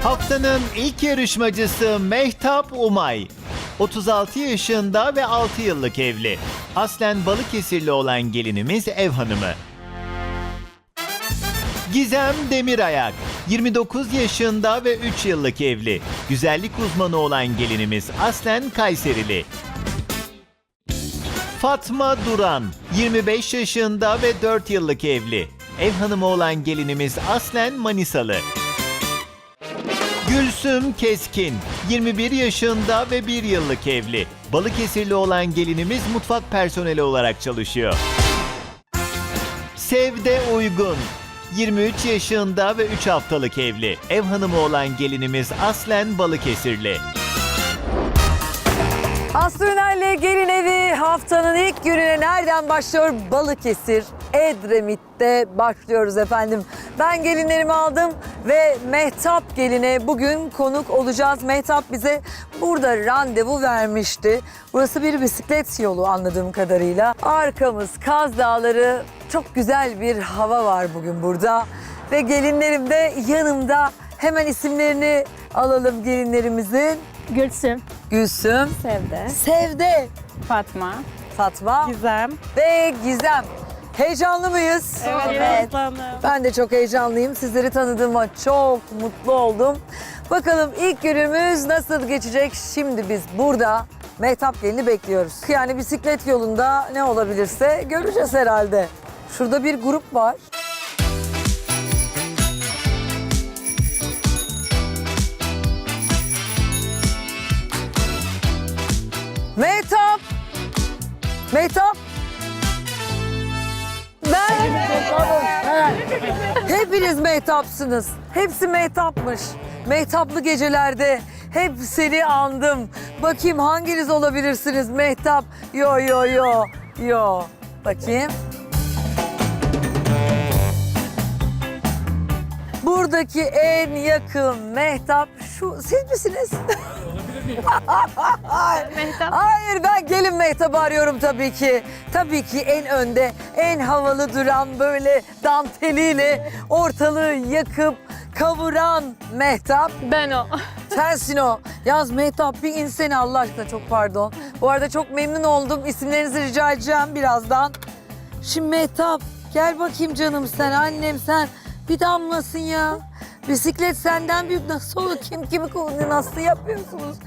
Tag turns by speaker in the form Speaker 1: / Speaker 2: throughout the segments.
Speaker 1: Haftanın ilk yarışmacısı Mehtap Umay. 36 yaşında ve 6 yıllık evli. Aslen Balıkesirli olan gelinimiz ev hanımı. Gizem Demirayak. 29 yaşında ve 3 yıllık evli. Güzellik uzmanı olan gelinimiz aslen Kayserili. Fatma Duran. 25 yaşında ve 4 yıllık evli. Ev hanımı olan gelinimiz aslen Manisalı. Gülsüm Keskin, 21 yaşında ve 1 yıllık evli. Balıkesirli olan gelinimiz mutfak personeli olarak çalışıyor. Sevde Uygun, 23 yaşında ve 3 haftalık evli. Ev hanımı olan gelinimiz aslen Balıkesirli.
Speaker 2: Aslı Üner'le Gelin Evi haftanın ilk gününe nereden başlıyor? Balıkesir, Edremit'te başlıyoruz efendim. Ben gelinlerimi aldım ve Mehtap geline bugün konuk olacağız. Mehtap bize burada randevu vermişti. Burası bir bisiklet yolu anladığım kadarıyla. Arkamız Kaz Dağları, çok güzel bir hava var bugün burada. Ve gelinlerim de yanımda. Hemen isimlerini alalım gelinlerimizin.
Speaker 3: Gülsüm,
Speaker 2: Gülsüm,
Speaker 3: Sevde,
Speaker 2: Sevde,
Speaker 3: Fatma,
Speaker 2: Fatma
Speaker 3: Gizem.
Speaker 2: ve Gizem. Heyecanlı mıyız?
Speaker 3: Evet.
Speaker 2: Ben de çok heyecanlıyım. Sizleri tanıdığıma çok mutlu oldum. Bakalım ilk günümüz nasıl geçecek? Şimdi biz burada Mehtap gelini bekliyoruz. Yani bisiklet yolunda ne olabilirse göreceğiz herhalde. Şurada bir grup var. Mehtap! Mehtap! Hepiniz Mehtap'sınız. Hepsi Mehtap'mış. Mehtaplı gecelerde hep seni andım. Bakayım hanginiz olabilirsiniz Mehtap? Yo yo yo yo. Bakayım. Buradaki en yakın Mehtap şu siz misiniz?
Speaker 3: Mehtap.
Speaker 2: Hayır, ben gelin Mehtap'ı arıyorum tabii ki. Tabii ki en önde, en havalı duran, böyle danteliyle ortalığı yakıp kavuran Mehtap.
Speaker 3: Ben o.
Speaker 2: Sensin o. Yaz Mehtap, bir insene Allah aşkına, çok pardon. Bu arada çok memnun oldum. İsimlerinizi rica edeceğim birazdan. Şimdi Mehtap, gel bakayım canım sen, annem sen. Bir damlasın ya. Bisiklet senden büyük. Nasıl olur? Kim kimi kullanıyor? Nasıl yapıyorsunuz?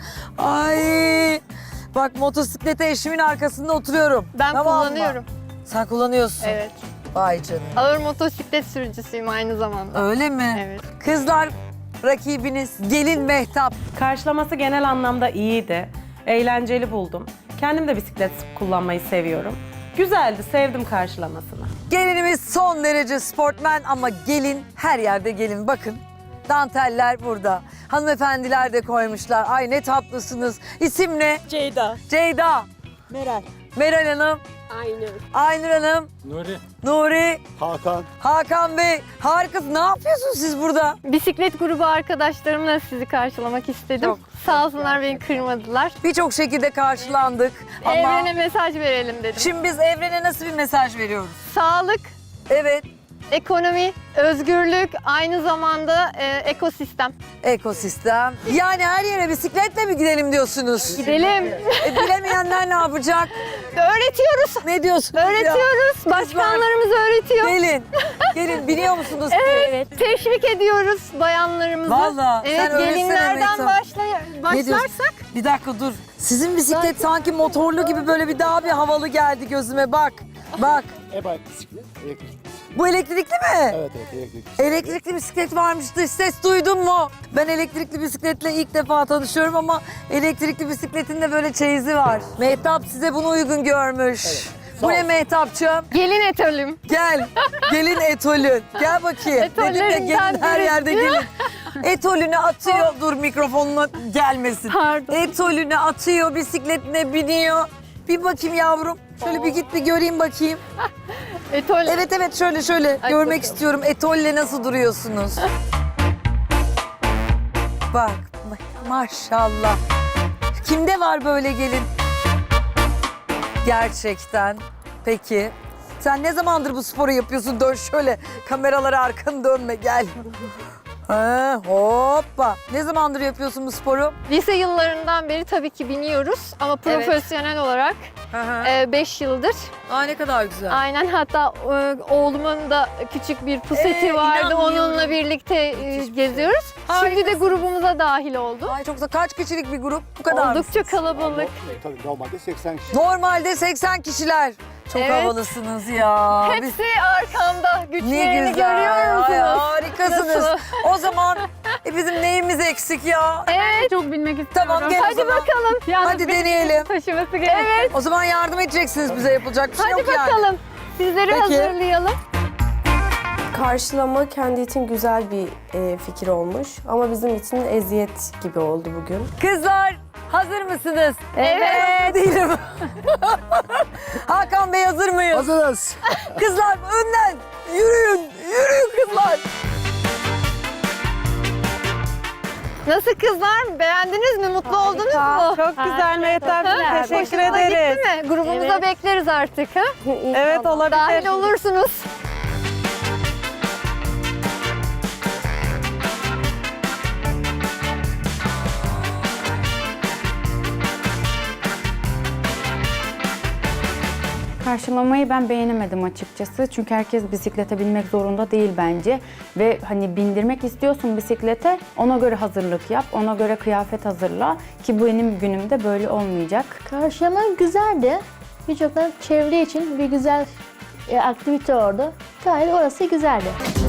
Speaker 2: Ay. Bak, motosiklete eşimin arkasında oturuyorum.
Speaker 3: Ben
Speaker 2: Tamam mı?
Speaker 3: kullanıyorum.
Speaker 2: Sen kullanıyorsun.
Speaker 3: Evet.
Speaker 2: Vay canım.
Speaker 3: Ağır motosiklet sürücüsüyüm aynı zamanda.
Speaker 2: Öyle mi?
Speaker 3: Evet.
Speaker 2: Kızlar, rakibiniz gelin Mehtap.
Speaker 4: Karşılaması genel anlamda iyiydi. Eğlenceli buldum. Kendim de bisiklet kullanmayı seviyorum. Güzeldi, sevdim karşılamasını.
Speaker 2: Gelinimiz son derece sportmen ama gelin, her yerde gelin. Bakın, danteller burada. Hanımefendiler de koymuşlar. Ay ne tatlısınız. İsim ne?
Speaker 5: Ceyda.
Speaker 2: Ceyda.
Speaker 5: Meral.
Speaker 2: Meral Hanım.
Speaker 5: Aynur.
Speaker 2: Aynur Hanım.
Speaker 6: Nuri.
Speaker 2: Nuri.
Speaker 6: Hakan.
Speaker 2: Hakan Bey. Harikasınız. Ne yapıyorsunuz siz burada?
Speaker 3: Bisiklet grubu arkadaşlarımla sizi karşılamak istedim.
Speaker 2: Çok
Speaker 3: Sağ olsunlar, beni kırmadılar.
Speaker 2: Birçok şekilde karşılandık. Ama
Speaker 3: Evrene mesaj verelim dedim.
Speaker 2: şimdi biz evrene nasıl bir mesaj veriyoruz?
Speaker 3: Sağlık,
Speaker 2: Evet.
Speaker 3: ekonomi, özgürlük, aynı zamanda ekosistem.
Speaker 2: Ekosistem. Yani her yere bisikletle mi gidelim diyorsunuz?
Speaker 3: Gidelim.
Speaker 2: Bilemeyenler ne yapacak?
Speaker 3: Öğretiyoruz.
Speaker 2: Ne diyorsunuz ya?
Speaker 3: Öğretiyoruz. Başkanlarımız öğretiyor.
Speaker 2: Gelin. Gelin, biliyor musunuz?
Speaker 3: Evet. Teşvik ediyoruz bayanlarımızı.
Speaker 2: Vallahi, sen
Speaker 3: Evet,
Speaker 2: öğretsene
Speaker 3: gelinlerden
Speaker 2: Mehtap. Ne diyorsun?
Speaker 3: başlarsak.
Speaker 2: Bir dakika dur. Sizin bisiklet sanki motorlu gibi böyle bir daha bir havalı geldi gözüme. Bak. Bak.
Speaker 6: E-bike bisiklet. Elektrik.
Speaker 2: Bu elektrikli mi?
Speaker 6: Evet elektrik.
Speaker 2: Elektrikli bisiklet varmış. Dış ses duydun mu? Ben elektrikli bisikletle ilk defa tanışıyorum ama elektrikli bisikletin de böyle çeyizi var. Mehtap size bunu uygun görmüş.
Speaker 6: Sağ
Speaker 2: Bu ne
Speaker 6: olsun.
Speaker 2: Mehtapçığım?
Speaker 3: Gelin etölüm.
Speaker 2: Gel. Gelin etolün. Gel bakayım. Dedim ya,
Speaker 3: Etollerinden
Speaker 2: gelin her
Speaker 3: biri.
Speaker 2: yerde gelin. Etolünü atıyor. Dur, mikrofonuna gelmesin.
Speaker 3: Pardon.
Speaker 2: Etolünü atıyor, bisikletine biniyor. Bir bakayım yavrum. Şöyle bir git bir göreyim bakayım.
Speaker 3: Etol.
Speaker 2: Evet evet, şöyle
Speaker 3: Hadi
Speaker 2: görmek
Speaker 3: bakalım.
Speaker 2: istiyorum. Etolle nasıl duruyorsunuz? Bak maşallah. Kimde var böyle gelin? Gerçekten. Peki. Sen ne zamandır bu sporu yapıyorsun? Dön şöyle. Kameralara arkanı dönme, gel. Ha, hoppa. Ne zamandır yapıyorsun bu sporu?
Speaker 3: Lise yıllarından beri tabii ki biniyoruz ama
Speaker 2: Evet.
Speaker 3: profesyonel olarak
Speaker 2: Hı hı.
Speaker 3: 5 yıldır.
Speaker 2: Aa, ne kadar güzel.
Speaker 3: Aynen, hatta oğlumun da küçük bir puseti vardı.
Speaker 2: inanmıyorum.
Speaker 3: Onunla birlikte geziyoruz. Şimdi de
Speaker 2: Harikasın.
Speaker 3: grubumuza dahil oldu.
Speaker 2: Ay çok güzel. Kaç kişilik bir grup? Bu kadar
Speaker 3: Oldukça
Speaker 2: mısınız?
Speaker 3: kalabalık.
Speaker 6: Tabii normalde 80 kişi.
Speaker 2: Normalde 80 kişiler. Çok
Speaker 3: Evet.
Speaker 2: havalısınız ya. Biz-
Speaker 3: Hepsi arkamda.
Speaker 2: Ne
Speaker 3: Güçlerini
Speaker 2: güzel.
Speaker 3: görüyor
Speaker 2: Ay,
Speaker 3: musunuz?
Speaker 2: harikasınız.
Speaker 3: Nasıl?
Speaker 2: O zaman bizim neyimiz eksik ya?
Speaker 3: Evet.
Speaker 5: Çok bilmek istiyorum.
Speaker 2: Tamam, gel o
Speaker 3: Hadi
Speaker 2: zaman.
Speaker 3: bakalım.
Speaker 5: Yalnız
Speaker 2: Hadi
Speaker 5: benim
Speaker 2: deneyelim.
Speaker 5: taşıması gerekiyor.
Speaker 3: Evet.
Speaker 2: O zaman yardım edeceksiniz bize, yapılacak bir şey
Speaker 3: Hadi
Speaker 2: yok yani.
Speaker 3: bakalım. Sizleri
Speaker 2: Peki.
Speaker 3: hazırlayalım.
Speaker 7: Karşılama kendi için güzel bir fikir olmuş ama bizim için eziyet gibi oldu bugün.
Speaker 2: Kızlar hazır mısınız?
Speaker 3: Evet.
Speaker 2: Değilim. Hakan Bey hazır mıyız?
Speaker 6: Hazırız.
Speaker 2: Kızlar önden yürüyün. Yürüyün kızlar.
Speaker 3: Nasıl kızlar? Beğendiniz mi? Mutlu oldunuz mu?
Speaker 4: Çok güzel Mehtap'cığım.
Speaker 3: Ha?
Speaker 4: Teşekkür
Speaker 3: Hoşunuza
Speaker 4: ederiz.
Speaker 3: gitti mi? Grubumuza
Speaker 5: Evet.
Speaker 3: bekleriz artık. Ha?
Speaker 4: Evet, olabilir.
Speaker 3: Dahil olursunuz.
Speaker 8: Karşılamayı ben beğenemedim açıkçası. Çünkü herkes bisiklete binmek zorunda değil bence. Ve hani bindirmek istiyorsun bisiklete, ona göre hazırlık yap, ona göre kıyafet hazırla. Ki bu benim günümde böyle olmayacak.
Speaker 9: Karşılama güzeldi. Birçok çevre için bir güzel aktivite oldu. Gayet orası güzeldi.